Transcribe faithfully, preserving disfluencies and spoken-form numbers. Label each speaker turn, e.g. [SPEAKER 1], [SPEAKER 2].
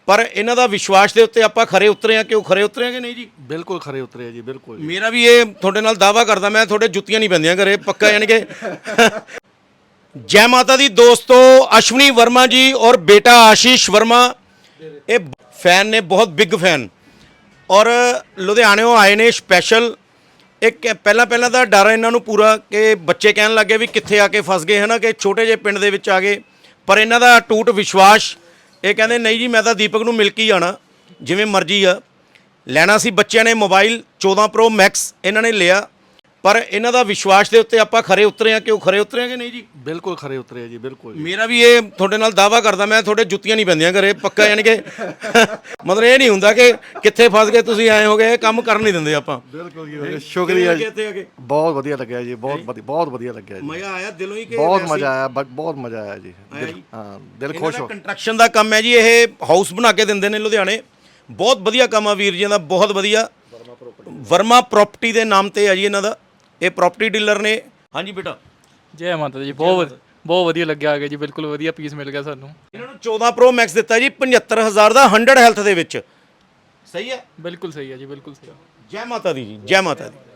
[SPEAKER 1] ਪਰ ਇਹਨਾਂ ਦਾ ਵਿਸ਼ਵਾਸ ਦੇ ਉੱਤੇ ਆਪਾਂ ਖਰੇ ਉਤਰੇ ਆ। ਕਿਉਂ ਖਰੇ ਉਤਰੇ ਆ ਕਿ ਨਹੀਂ ਜੀ?
[SPEAKER 2] ਬਿਲਕੁਲ ਖਰੇ ਉਤਰੇ ਆ ਜੀ, ਬਿਲਕੁਲ ਜੀ।
[SPEAKER 1] ਮੇਰਾ ਵੀ ਇਹ ਤੁਹਾਡੇ ਨਾਲ ਦਾਅਵਾ ਕਰਦਾ, ਮੈਂ ਤੁਹਾਡੇ ਜੁੱਤੀਆਂ ਨਹੀਂ ਪੈਂਦੀਆਂ ਘਰੇ ਪੱਕਾ। ਯਾਨੀ ਕਿ ਜੈ ਮਾਤਾ ਦੀ ਦੋਸਤੋ, ਅਸ਼ਵਨੀ ਵਰਮਾ ਜੀ ਔਰ ਬੇਟਾ ਆਸ਼ੀਸ਼ ਵਰਮਾ ਇਹ ਫੈਨ ਨੇ, ਬਹੁਤ ਬਿਗ ਫੈਨ, ਔਰ ਲੁਧਿਆਣਿਓਂ ਆਏ ਨੇ ਸਪੈਸ਼ਲ। ਇੱਕ ਪਹਿਲਾਂ ਪਹਿਲਾਂ ਤਾਂ ਡਰ ਇਹਨਾਂ ਨੂੰ ਪੂਰਾ ਕਿ ਬੱਚੇ ਕਹਿਣ ਲੱਗੇ ਵੀ ਕਿੱਥੇ ਆ ਕੇ ਫਸ ਗਏ ਹੈ ਨਾ, ਕਿ ਛੋਟੇ ਜਿਹੇ ਪਿੰਡ ਦੇ ਵਿੱਚ ਆ ਗਏ। ਪਰ ਇਹਨਾਂ ਦਾ ਟੂਟ ਵਿਸ਼ਵਾਸ, ਇਹ ਕਹਿੰਦੇ ਨਹੀਂ ਜੀ ਮੈਂ ਤਾਂ ਦੀਪਕ ਨੂੰ ਮਿਲ ਕੇ ਹੀ ਆਉਣਾ, ਜਿਵੇਂ ਮਰਜ਼ੀ ਆ। ਲੈਣਾ ਸੀ ਬੱਚਿਆਂ ਨੇ ਮੋਬਾਈਲ ਚੌਦਾਂ ਪ੍ਰੋ ਮੈਕਸ, ਇਹਨਾਂ ਨੇ ਲਿਆ। ਪਰ ਇਹਨਾਂ ਦਾ ਵਿਸ਼ਵਾਸ ਦੇ ਉੱਤੇ ਆਪਾਂ ਖਰੇ ਉਤਰੇ ਆ। ਕਿਉਂ ਖਰੇ ਉਤਰੇ ਆ ਕਿ ਨਹੀਂ ਜੀ?
[SPEAKER 2] ਬਿਲਕੁਲ ਖਰੇ ਉਤਰੇ ਆ ਜੀ, ਬਿਲਕੁਲ ਜੀ।
[SPEAKER 1] ਮੇਰਾ ਵੀ ਇਹ ਤੁਹਾਡੇ ਨਾਲ ਦਾਅਵਾ ਕਰਦਾ, ਮੈਂ ਤੁਹਾਡੇ ਜੁੱਤੀਆਂ ਨਹੀਂ ਪੈਂਦੀਆਂ ਘਰੇ ਪੱਕਾ। ਯਾਨੀ ਕਿ ਮਤਲਬ ਇਹ ਨਹੀਂ ਹੁੰਦਾ ਕਿ ਕਿੱਥੇ ਫਸ ਗਏ ਤੁਸੀਂ, ਆਏ ਹੋ ਗਏ, ਇਹ ਕੰਮ ਕਰਨ ਨਹੀਂ ਦਿੰਦੇ ਆਪਾਂ।
[SPEAKER 2] ਬਿਲਕੁਲ ਜੀ, ਸ਼ੁਕਰੀਆ ਜੀ।
[SPEAKER 1] ਇੱਥੇ ਆ ਕੇ
[SPEAKER 2] ਬਹੁਤ ਵਧੀਆ ਲੱਗਿਆ ਜੀ, ਬਹੁਤ ਵਧੀਆ, ਬਹੁਤ ਵਧੀਆ ਲੱਗਿਆ ਜੀ।
[SPEAKER 1] ਮਜ਼ਾ ਆਇਆ ਦਿਲੋਂ ਹੀ ਕਿ
[SPEAKER 2] ਬਹੁਤ
[SPEAKER 1] ਵੈਸੇ-
[SPEAKER 2] ਮਜ਼ਾ ਆਇਆ, ਬ- ਬਹੁਤ ਮਜ਼ਾ ਆਇਆ ਜੀ।
[SPEAKER 1] ਆਇਆ
[SPEAKER 2] ਦਿਲ-
[SPEAKER 1] ਜੀ।
[SPEAKER 2] ਹਾਂ, ਦਿਲ
[SPEAKER 1] ਇਹਨਾਂ
[SPEAKER 2] ਖੁਸ਼
[SPEAKER 1] ਦਾ
[SPEAKER 2] ਹੋ।
[SPEAKER 1] ਕੰਸਟਰਕਸ਼ਨ ਦਾ ਕੰਮ ਹੈ ਜੀ, ਇਹ ਹਾਊਸ ਬਣਾ ਕੇ ਦਿੰਦੇ ਨੇ ਲੁਧਿਆਣੇ। ਬਹੁਤ ਵਧੀਆ ਕੰਮ ਆ ਵੀਰ ਜੀ ਦਾ, ਬਹੁਤ ਵਧੀਆ। ਵਰਮਾ ਪ੍ਰਾਪਰਟੀ ਦੇ ਨਾਮ ਤੇ ਆ ਜੀ ਇਹਨਾਂ ਦਾ, ਇਹ ਪ੍ਰਾਪਰਟੀ ਡੀਲਰ ਨੇ। ਹਾਂਜੀ ਬੇਟਾ,
[SPEAKER 3] ਜੈ ਮਾਤਾ ਦੀ। ਬਹੁਤ ਬਹੁਤ ਵਧੀਆ ਲੱਗਿਆ ਆ ਗਿਆ ਜੀ, ਬਿਲਕੁਲ ਵਧੀਆ ਪੀਸ ਮਿਲ ਗਿਆ ਸਾਨੂੰ।
[SPEAKER 1] ਇਹਨਾਂ ਨੂੰ ਚੌਦਾਂ ਪ੍ਰੋ ਮੈਕਸ ਦਿੱਤਾ ਜੀ ਪਝੱਤਰ ਹਜ਼ਾਰ ਦਾ, ਹੰਡਰਡ ਹੈਲਥ ਦੇ ਵਿੱਚ। ਸਹੀ ਹੈ,
[SPEAKER 3] ਬਿਲਕੁਲ ਸਹੀ ਹੈ ਜੀ, ਬਿਲਕੁਲ ਸਹੀ।
[SPEAKER 1] ਜੈ ਮਾਤਾ ਦੀ ਜੀ, ਜੈ ਮਾਤਾ ਦੀ।